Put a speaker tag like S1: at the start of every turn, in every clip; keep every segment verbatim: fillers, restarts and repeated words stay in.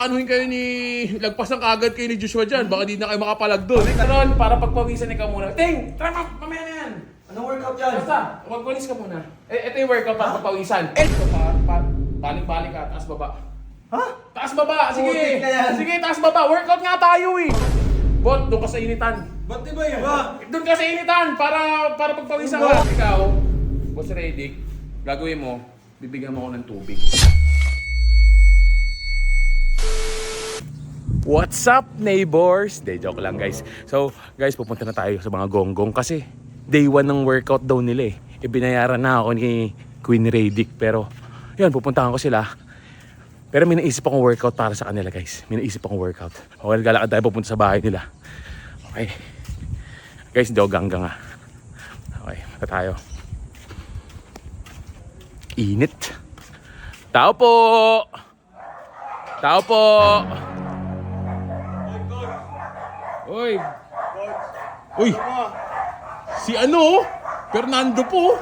S1: Anuhin kayo ni... Lagpasan kagad kayo ni Joshua dyan. Baka di na kayo makapalag doon. Karon, para pagpawisan ikaw muna. Ting! Tara, ma- mamaya na yan.
S2: Anong workout yan?
S1: Basta, magwalis ka muna. Eh, ito yung workout para pagpawisan. Ito, pa, pa, balik-balik ka, taas baba.
S2: Ha?
S1: Taas baba, sige.
S2: Putik na yan.
S1: Sige, taas baba. Workout nga tayo eh. Bot, doon ka sa initan.
S2: Ba't di ba yun? Ba?
S1: Doon ka sa initan para para pagpawisan ka. Ikaw, Boss Redick, gagawin mo, bibigyan mo ako ng tubig. What's up, neighbors? Day joke lang, guys. So, guys, pupunta na tayo sa mga gonggong kasi day one ng workout daw nila eh. Ibinayaran na ako ni Queen Redick, pero yun, pupuntahan ko sila. Pero may naisip akong workout para sa kanila, guys. May naisip akong workout. Okay, galakad tayo pupunta sa bahay nila. Okay. Guys, hindi ako ganggang ah. Okay, mata tayo. Init. Tao po! Tao po! Uy! Uy! Si ano? Fernando po!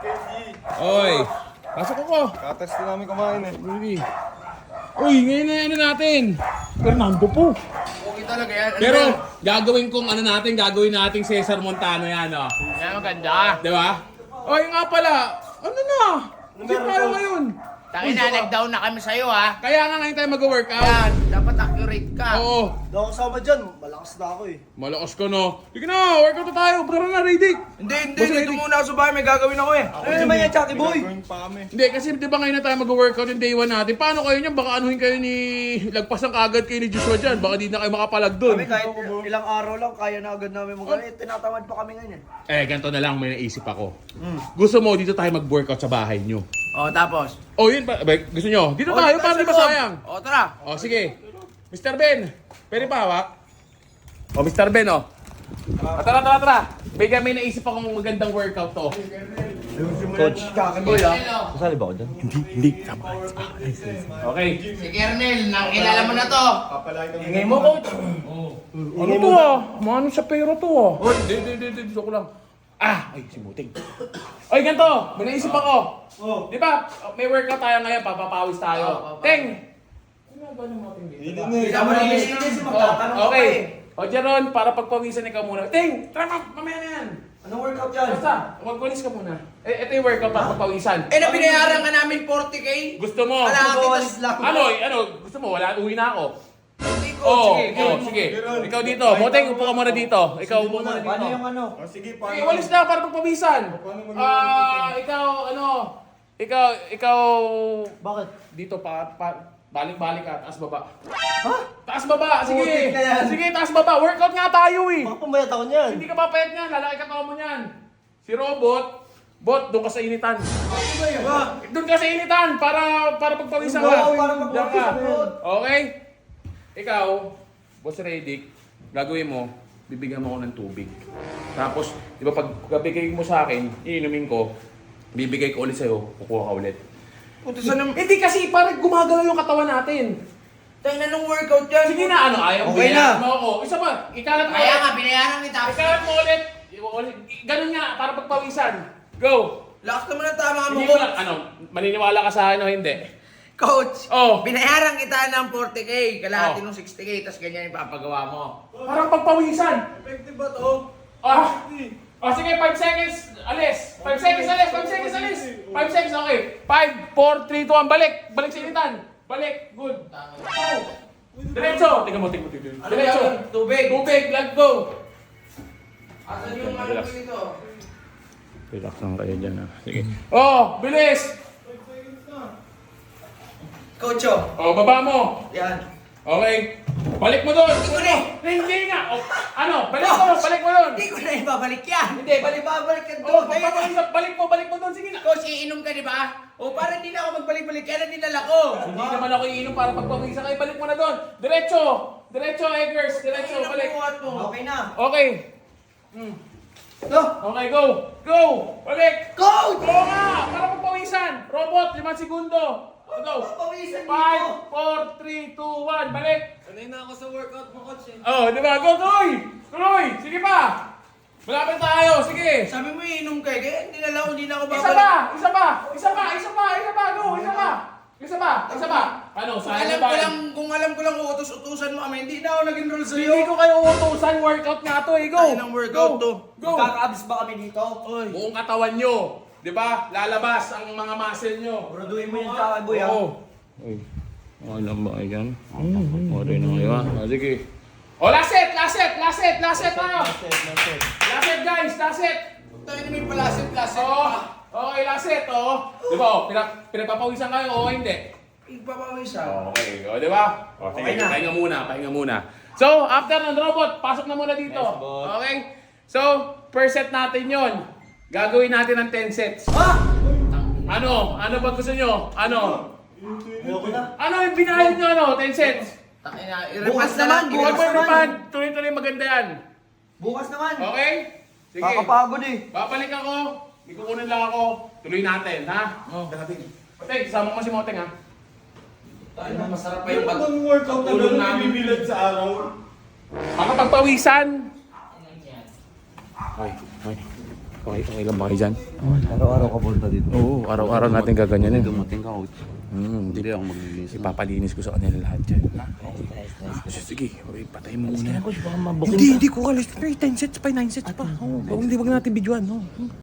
S1: Uy! Pasok ako!
S2: Katest na namin kumain eh.
S1: Uy! Uy! Ngayon na ano natin! Fernando po!
S3: Okay talaga yan. Ano
S1: Pero
S3: yan?
S1: gagawin kong ano natin, gagawin nating Cesar Montano yan, oh.
S3: Yan maganda.
S1: Di ba? Oy, nga pala! Ano na? Hindi tayo ngayon!
S3: Tangin na, nag-down na kami sa'yo ha.
S1: Kaya nga ngayon tayo mag-workout.
S3: Yan, dapat accurate ka.
S1: Oo.
S2: Hindi ako kasama dyan. Malakas na ako eh.
S1: Malakas ka no. Sige na, workout na tayo. Tara na, Redick.
S3: Hindi, hindi.
S1: Boss
S3: Dito
S1: Redick.
S3: muna ako sa bahay. May gagawin ako eh.
S2: Ano naman yan, Chucky Boy?
S1: Hindi, kasi di ba ngayon na tayo mag-workout yung day one natin? Paano kayo niyan? Baka anuhin kayo ni... Lagpasan kagad kayo ni Joshua dyan. Baka di na kayo makapalag doon.
S2: Kami kahit ilang araw lang, kaya na agad namin mag-ano. Eh, tinatamad pa kami ngayon eh.
S1: Eh, ganito na lang may naisip ako. Gusto mo dito tayo mag-workout sa bahay nyo?
S3: O, tapos.
S1: Oh, yun pa. Ba, gusto nyo? Dito
S3: O,
S1: tayo,
S3: dito
S1: para di
S3: sa loob.
S1: masayang.
S3: O, tara.
S1: Oh, sige. mister Ben, pwede pa hawak? Oh, mister Ben, oh. Ah, tara, tara, tara. Bigyan may naisip akong magandang workout to.
S2: Coach Chucky Boy ah.
S4: Kasali ba ako dyan?
S1: Hindi, hindi. Sama ka. Okay.
S3: Si Kernel, nakilala mo na to.
S2: Ingay mo, coach.
S1: Ano to ah? Mano sa pera to ah. Oh, hindi, hindi, hindi. Dito ko lang. Ah! Ay, si Muting. Oy, ganito. May naisip ako.
S2: Oh.
S1: Di ba, may workout tayo ngayon. Papapawis tayo.
S3: Oo, papawis.
S1: Ting! Ano ba yung Muting dito?
S2: Hindi mo nilinis. Magtatanong
S1: Oh,
S2: ka pa
S1: okay.
S2: eh.
S1: O, Jeron, para pagpawisan ikaw muna. Ting! Tara, ma- mamaya na yan.
S2: Anong workout yan?
S1: Basta, magwalis ka muna. Eh, ito yung workout para pagpawisan.
S3: Eh, napinayaran ka namin forty K.
S1: Gusto mo?
S3: Wala.
S2: Magwawalis lang.
S1: Ano, ano, gusto mo? Wala, uwi na ako.
S3: Hindi ko.
S1: Oo,
S3: Sige,
S1: oh,
S3: go.
S1: sige. Ikaw dito. Moteng, upo ka muna dito. Ikaw, upo muna dito.
S2: Paano yung ano?
S1: Sige, walis na para pagpawisan. Ah, ikaw, ano, ikaw, ikaw,
S2: Bakit?
S1: dito pa, pa balik-balik ka, taas baba.
S2: Ha?
S1: Taas baba, sige.
S2: Putik na yan.
S1: Sige, taas baba. Workout nga tayo eh.
S2: Baka pumayat ako niyan.
S1: Hindi ka papayat niyan, lalaki ka mo niyan. Si Robot, Bot, doon ka sa initan.
S2: Ba?
S1: Doon ka sa initan para para pagpawisan ka.
S2: Oo, para
S1: Diyan
S2: magpawisan,
S1: ka.
S2: Bot.
S1: Okay? Ikaw, Boss Redick, gagawin mo, bibigyan mo ako ng tubig. Tapos, di ba pag bigay mo sa akin, iinumin ko, bibigay ko ulit sa'yo, kukuha ka ulit.
S3: Puta, saan naman?
S1: Hindi kasi parang gumagalaw yung katawan natin.
S3: Tayo na nung workout yan.
S1: Sige na, ano, ayaw mo
S2: Okay
S1: binayaran
S2: na.
S1: mo ako. Isa pa, ikalat mo
S3: Kaya
S1: ulit.
S3: nga, binayaran kita.
S1: Ikalat mo ulit. Ulit. Ganun nga, para pagpawisan. Go!
S3: Lakas naman ang tama mo,
S1: Hindi mo
S3: coach.
S1: lang, ano, maniniwala ka sa ano, hindi.
S3: Coach,
S1: Oh.
S3: binayaran kita ng forty K, kalahati
S1: Oh.
S3: ng sixty K, tapos ganyan yung papagawa mo.
S1: Parang pagpawisan.
S2: Effective ba to?
S1: Ah! Oh, sige, five seconds, alis. five seconds, alis. five seconds, alis. five seconds, okay. five, four, three, two, one, balik. Balik sa initan. Balik, good. Go. Diretso. Tingnan mo, tingnan mo, tingnan mo.
S3: Ano
S1: Diretso.
S3: yan? Tubig.
S1: Tubig, let go.
S3: Asan yung ano
S1: Relax.
S3: dito?
S1: Relax lang kayo dyan, ah. Sige. Oh, bilis.
S3: Coach, oh.
S1: Oh, baba mo.
S3: Yan.
S1: Okay. Balik mo doon.
S3: Hindi ko na.
S1: Hindi nga. Oh, ano, balik mo, balik mo doon.
S3: Hindi ko na ibabalik yan.
S1: Hindi,
S3: balik babalik yan
S1: Oh,
S3: doon. Kaya
S1: balik, balik mo, balik mo doon. Sige na.
S3: Coach, iinom ka, di ba? O, para hindi na ako magbalik-balik. Kaya na dinala ko.
S1: Hindi naman ako iinom para pagpawisan kayo. Balik mo na doon. Diretso. Diretso, Eggers. Diretso,
S3: Ayun ang
S1: balik.
S3: buhat mo.
S2: Okay na.
S1: Okay. Hmm.
S2: Ito.
S1: Okay, go. Go. Balik.
S3: Coach!
S1: Go nga. Para pagpawisan. Robot, limang segundo. Go.
S3: Papawisan
S1: five, four, three, two, one. Balik.
S2: Sanay na ako sa workout mo, coach eh.
S1: Oh, di ba? Go, tuloy. Tuloy. Sige pa. Malapit tayo. Sige.
S3: Sabi mo iinom ka, eh. Kaya dinala ko, hindi na ako
S1: Isa
S3: babalik.
S1: pa. Isa pa. Isa pa. Isa pa. Isa pa. Go. Isa pa. Isa pa. Isa pa. Ano,
S3: Kung
S1: sayang
S3: alam
S1: ba?
S3: ko lang, kung alam ko lang utos-utusan mo kami, hindi na ako nag-enroll sa'yo.
S1: Hindi ko kayo utusan, workout nga to eh. Go!
S3: Tayo ng workout
S1: Go!
S3: to.
S1: Go!
S2: Magkakaabs ba kami dito?
S1: Buong katawan nyo. Di ba? Lalabas ang mga muscle nyo.
S2: Buraduhin mo yung tsaka, boy, ha?
S1: Oo. Uy, okay lang ba kayo dyan? Okay na kayo ha? Ah, sige. O, last set! Last set! Last set! Last set tayo! Last set guys! Last set!
S3: Tayo na may palasit-lasit
S1: Oo.
S3: pa.
S1: Okay, last set oh. Di ba? Oh, pinag pinagpapawisan kayo o hindi?
S3: Igpapawisa.
S1: Okay, o di ba? O, sige,
S2: Okay na.
S1: pahinga muna, pahinga muna. So, after ng robot, pasok na muna dito.
S2: Yes, boss.
S1: Okay? So, per set natin yon. Gagawin natin ng ten sets.
S2: Ha?
S1: Ano? Ano ba gusto nyo? Ano?
S2: Ayoko na.
S1: Ano yung binayad nyo ano? ten sets?
S3: Tangina,
S2: Bukas
S3: i-repass na
S2: naman,
S3: lang.
S2: bukas
S1: Huwag mo
S2: naman.
S1: naman. Tuloy-tuloy maganda yan.
S2: Bukas naman.
S1: Okay? Sige.
S2: Kakapagod eh.
S1: Babalik ako. May kukunin lang ako. Tuloy natin, ha?
S3: Oh, grabe.
S1: Moteng, sama mo si Moteng, ha?
S3: Tayo na, masarap pa yung pag...
S4: workout na
S3: Tulong
S4: gano'n
S3: namin.
S4: ibibilad sa araw?
S1: Makapagpawisan. Okay, okay. Okay, okay lang ba kayo dyan?
S2: Araw-araw ka punta dito.
S1: Oo, araw-araw natin gaganyanin.
S4: Dumating ka, coach.
S1: Hmm,
S4: Hindi ako maglilinis.
S1: ipapalinis ko sa kanila lahat dyan. Ha?
S2: Nice, nice.
S1: Sige, okay, patay mo muna.
S2: Coach, baka mabukin
S1: Hindi,
S2: ka.
S1: hindi ko alis. ten sets pa, nine sets pa. Oo, hindi, wag natin videoan. No?